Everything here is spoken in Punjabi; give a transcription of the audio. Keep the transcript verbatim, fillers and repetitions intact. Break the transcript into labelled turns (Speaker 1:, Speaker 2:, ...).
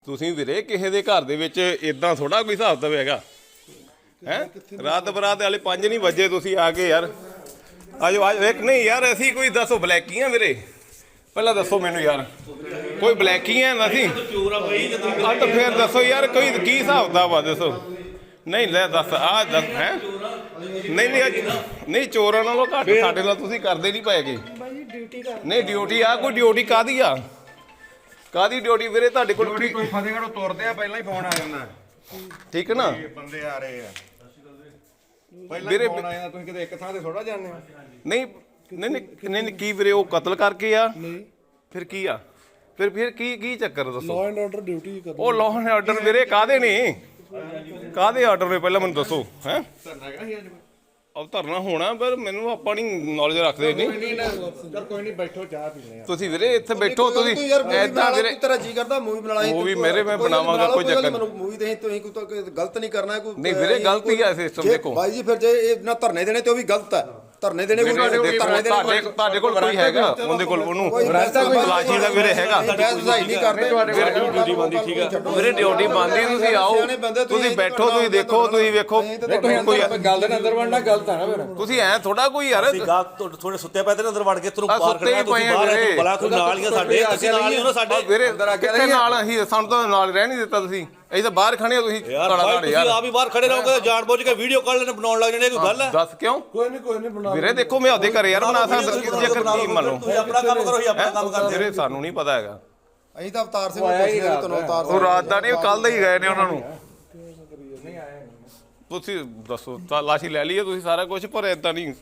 Speaker 1: ਤੁਸੀਂ ਵੀਰੇ ਕਿਸੇ ਦੇ ਘਰ ਦੇ ਵਿੱਚ ਇਦਾਂ ਥੋੜਾ ਕੋਈ ਹਿਸਾਬ ਤਾਂ ਹੈਗਾ ਹੈ ਰਾਤ ਬਰਾਤ ਵਾਲੇ ਪੰਜ ਨਹੀਂ ਵਜੇ ਤੁਸੀਂ ਆ ਕੇ ਯਾਰ ਆਜੋ ਆਜੋ ਇੱਕ ਨਹੀਂ ਯਾਰ ਅਸੀਂ ਕੋਈ ਦੱਸੋ ਬਲੈਕੀਆਂ ਵੀਰੇ ਪਹਿਲਾਂ ਦੱਸੋ ਮੈਨੂੰ ਯਾਰ ਕੋਈ ਬਲੈਕੀਆਂ ਅਸੀਂ ਆ ਤਾਂ ਫੇਰ ਦੱਸੋ ਯਾਰ ਕੋਈ ਕੀ ਹਿਸਾਬ ਦਾ ਵਾ ਦੱਸੋ ਨਹੀਂ ਲੈ ਦੱਸ ਆ ਦੱਸ ਹੈ ਨਹੀਂ ਨਹੀਂ ਨਹੀਂ ਚੋਰਾਂ ਨਾਲੋਂ ਘੱਟ ਸਾਡੇ ਨਾਲ ਤੁਸੀਂ ਕਰਦੇ ਨਹੀਂ ਪਏਗੇ ਨਹੀਂ ਡਿਊਟੀ ਆ ਕੋਈ ਡਿਊਟੀ ਕਾਹਦੀ ਆ ਕਾਦੀ ਡਿਊਟੀ ਵੀਰੇ ਤੁਹਾਡੇ ਕੋਲ
Speaker 2: ਕੋਈ ਫਤਿਹਗੜ੍ਹੋਂ ਤੁਰਦੇ ਆ ਪਹਿਲਾਂ ਹੀ ਫੋਨ ਆ ਜਾਂਦਾ
Speaker 1: ਠੀਕ ਹੈ ਨਾ
Speaker 2: ਬੰਦੇ ਆ ਰਹੇ ਆ ਪਹਿਲਾਂ ਹੀ ਫੋਨ ਆ ਜਾਂਦਾ ਤੁਸੀਂ ਕਿਤੇ ਇੱਕ ਥਾਂ ਤੇ ਥੋੜਾ ਜਾਂਦੇ ਹੋ
Speaker 1: ਨਹੀਂ ਨਹੀਂ ਨਹੀਂ ਕੀ ਵੀਰੇ ਉਹ ਕਤਲ ਕਰਕੇ ਆ ਨਹੀਂ ਫਿਰ ਕੀ ਆ ਫਿਰ ਫਿਰ ਕੀ ਕੀ ਚੱਕਰ ਦੱਸੋ
Speaker 3: ਲਾਅ ਐਂਡ ਆਰਡਰ ਡਿਊਟੀ ਕਰ
Speaker 1: ਉਹ ਲਾਅ ਐਂਡ ਆਰਡਰ ਵੀਰੇ ਕਾਹਦੇ ਨੇ ਕਾਹਦੇ ਆਰਡਰ ਨੇ ਪਹਿਲਾਂ ਮੈਨੂੰ ਦੱਸੋ ਹੈ
Speaker 2: ਧਰਨਾ ਹੈਗਾ ਸੀ ਅੱਜ
Speaker 1: ਅਬ ਧਰਨਾ ਹੋਣਾ ਪਰ ਮੈਨੂੰ ਆਪਾਂ ਨਹੀਂ ਨੌਲੇਜ ਰੱਖਦੇ ਨਹੀਂ
Speaker 2: ਚਲ ਕੋਈ ਨਹੀਂ ਬੈਠੋ ਚਾਹ ਪੀਣੇ ਆ
Speaker 1: ਤੁਸੀਂ ਵੀਰੇ ਇੱਥੇ ਬੈਠੋ ਤੁਸੀਂ ਐਦਾਂ ਵੀਰੇ
Speaker 4: ਤੇਰਾ ਜੀ ਕਰਦਾ ਮੂਵੀ ਬਣਾ ਲਈ
Speaker 1: ਮੂਵੀ ਮੇਰੇ ਮੈਂ ਬਣਾਵਾਂਗਾ ਕੋਈ ਚੱਕਰ
Speaker 4: ਮੈਨੂੰ ਮੂਵੀ ਤੇ ਤੁਸੀਂ ਕੋਈ ਗਲਤ ਨਹੀਂ ਕਰਨਾ ਕੋਈ
Speaker 1: ਨਹੀਂ ਵੀਰੇ ਗਲਤੀ ਆ ਸਿਸਟਮ ਦੇਖੋ
Speaker 4: ਬਾਈ ਜੀ ਫਿਰ ਜੇ ਇਹ ਨਾ ਧਰਨੇ ਦੇਣੇ ਤੇ ਉਹ ਵੀ ਗਲਤ ਹੈ ਧਰਨੇ ਦੇਣੇ ਕੋਈ ਧਰਨੇ
Speaker 1: ਤੁਹਾਡੇ ਤੁਹਾਡੇ ਕੋਲ ਕੋਈ ਹੈਗਾ ਉਹਦੇ ਕੋਲ ਉਹਨੂੰ ਤਲਾਸ਼ੀ ਦਾ ਵੀਰੇ ਹੈਗਾ
Speaker 4: ਬਹਿਸ ਨਹੀਂ ਕਰਦੇ
Speaker 1: ਡਿਊਟੀ ਬੰਦੀ ਠੀਕ ਆ ਵੀਰੇ ਡਿਊਟੀ ਬੰਦੀ ਤੁਸੀਂ ਆਓ ਤੁਸੀਂ ਬੈਠੋ ਤੁਸੀਂ ਦੇਖੋ ਤੁਸੀਂ ਵੇਖੋ ਕੋਈ
Speaker 2: ਗੱਲ ਦੇ ਅੰਦਰ ਵੜਨਾ ਗਲਤ ਆ ਨਾ ਫਿਰ
Speaker 1: ਤੁਸੀਂ ਐ ਥੋੜਾ ਕੋਈ ਯਾਰ
Speaker 5: ਥੋੜੇ ਸੁੱਤੇ ਪਏ ਤੇ ਅੰਦਰ ਵੜ ਕੇ ਤੈਨੂੰ
Speaker 1: ਆਹ
Speaker 5: ਬਾਹਰ
Speaker 1: ਸੁੱਤੇ ਹੀ
Speaker 5: ਕੱਢਣਾ
Speaker 1: ਪਏ
Speaker 5: ਤੁਸੀਂ
Speaker 1: ਆ
Speaker 5: ਬਾਹਰ
Speaker 1: ਵੀਰੇ।
Speaker 5: ਬਲਾ ਕੋਈ ਨਾਲ ਹੀ ਆ ਸਾਡੇ ਅਸੀਂ ਨਾਲ ਹੀ ਉਹਨਾਂ ਸਾਡੇ
Speaker 1: ਵੀਰੇ ਕਿੱਥੇ ਨਾਲ ਅਸੀਂ ਸਾਨੂੰ ਤਾਂ ਨਾਲ ਰਹਿ ਨਹੀਂ ਦਿੱਤਾ ਤੁਸੀਂ ਅਸੀਂ ਤਾਂ ਬਾਹਰ ਖੜੇ ਹੋ ਤੁਸੀਂ
Speaker 5: ਯਾਰ
Speaker 1: ਕਾਲਾ
Speaker 5: ਭਾਈ
Speaker 1: ਕਾਲੇ
Speaker 5: ਤੁਸੀਂ
Speaker 1: ਯਾਰ
Speaker 5: ਆਪ ਹੀ ਬਾਹਰ ਖੜੇ ਰਹੋਗੇ ਜਾਣ ਬੁੱਝ ਕੇ ਵੀਡੀਓ ਕਾਲ ਲੈਣ ਬਣਾਉਣ ਲੱਗ ਜਾਣੇ ਕੋਈ ਗੱਲ ਹੈ
Speaker 1: ਦੱਸ ਕਿਉਂ
Speaker 3: ਕੋਈ ਨਹੀਂ ਕੋਈ ਨਹੀਂ ਬਣਾ
Speaker 1: ਵੀਰੇ ਦੇਖੋ ਮੈਂ ਉਹਦੇ ਘਰੇ ਯਾਰ ਬਣਾ ਸਕਦਾ ਜੇਕਰ ਕੀ ਮੰਨ ਲਓ
Speaker 5: ਤੁਸੀਂ ਆਪਣਾ ਕੰਮ ਕਰੋ ਹੀ ਆਪਣਾ ਕੰਮ ਕਰਦੇ
Speaker 1: ਵੀਰੇ ਸਾਨੂੰ ਨਹੀਂ ਪਤਾ ਹੈਗਾ
Speaker 4: ਅਸੀਂ ਤਾਂ ਅਵਤਾਰ ਸਿੰਘ ਨੂੰ ਪੁੱਛਦੇ ਹਾਂ ਤੁਹਾਨੂੰ ਅਵਤਾਰ
Speaker 1: ਉਹ ਰਾਤ ਦਾ ਨਹੀਂ ਕੱਲ ਦਾ ਹੀ ਗਏ ਨੇ ਉਹਨਾਂ ਨੂੰ ਤੁਸੀਂ ਦੱਸੋ ਤਾਂ ਲਾਸ਼ੀ ਲੈ ਲਈਏ ਤੁਸੀਂ ਸਾਰਾ ਕੁਝ ਪਰ ਏਦਾਂ ਨਹੀਂ